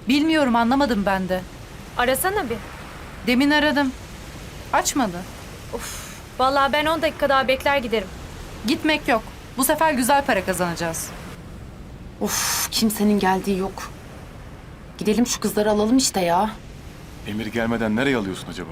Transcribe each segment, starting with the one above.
Bilmiyorum, anlamadım ben de. Arasana bir. Demin aradım. Açmadı. Vallahi ben 10 dakika daha bekler giderim. Gitmek yok. Bu sefer güzel para kazanacağız. Of, kimsenin geldiği yok. Gidelim şu kızları alalım işte ya. Emir gelmeden nereye alıyorsun acaba?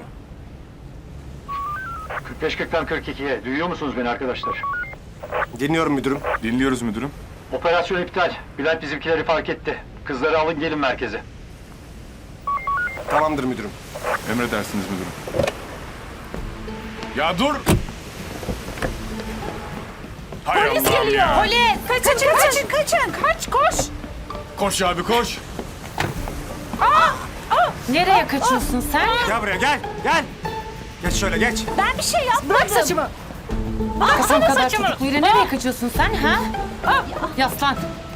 45-40'tan 42'ye. Duyuyor musunuz beni arkadaşlar? Dinliyorum müdürüm. Dinliyoruz müdürüm. Operasyon iptal. Bülent bizimkileri fark etti. Kızları alın gelin merkeze. Tamamdır müdürüm. Emredersiniz müdürüm. Ya dur! Hay Polis Allah'ım geliyor. ya. Polis. Kaçın. Kaç koş. Koş abi koş. Nereye kaçıyorsun sen? Gel buraya gel. Gel. Geç şöyle geç. Ben bir şey yapmadım. Bırak saçımı. Kafam kadar çocukluyla nereye kaçıyorsun sen ha? Yaslan.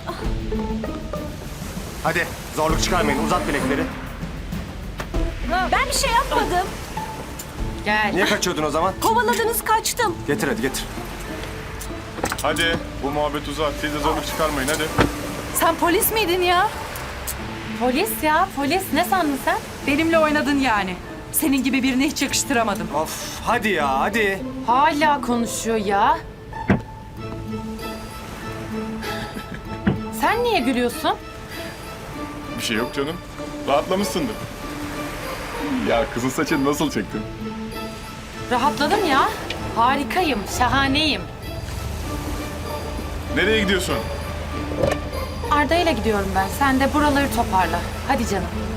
Hadi zorluk çıkarmayın. Uzat bilekleri. Ben bir şey yapmadım. Gel. Niye kaçıyordun o zaman? Kovaladınız kaçtım. Getir hadi getir. Hadi bu muhabbet uzat. Siz de zorluk çıkarmayın hadi. Sen polis miydin ya? Polis ya, polis. Ne sandın sen? Benimle oynadın yani. Senin gibi birini hiç yakıştıramadım. Of hadi ya hadi. Hala konuşuyor ya. Sen niye gülüyorsun? Bir şey yok canım. Rahatlamışsındır. Ya kızın saçını nasıl çektin? Rahatladım ya. Harikayım, şahaneyim. Nereye gidiyorsun? Arda ile gidiyorum ben. Sen de buraları toparla. Hadi canım.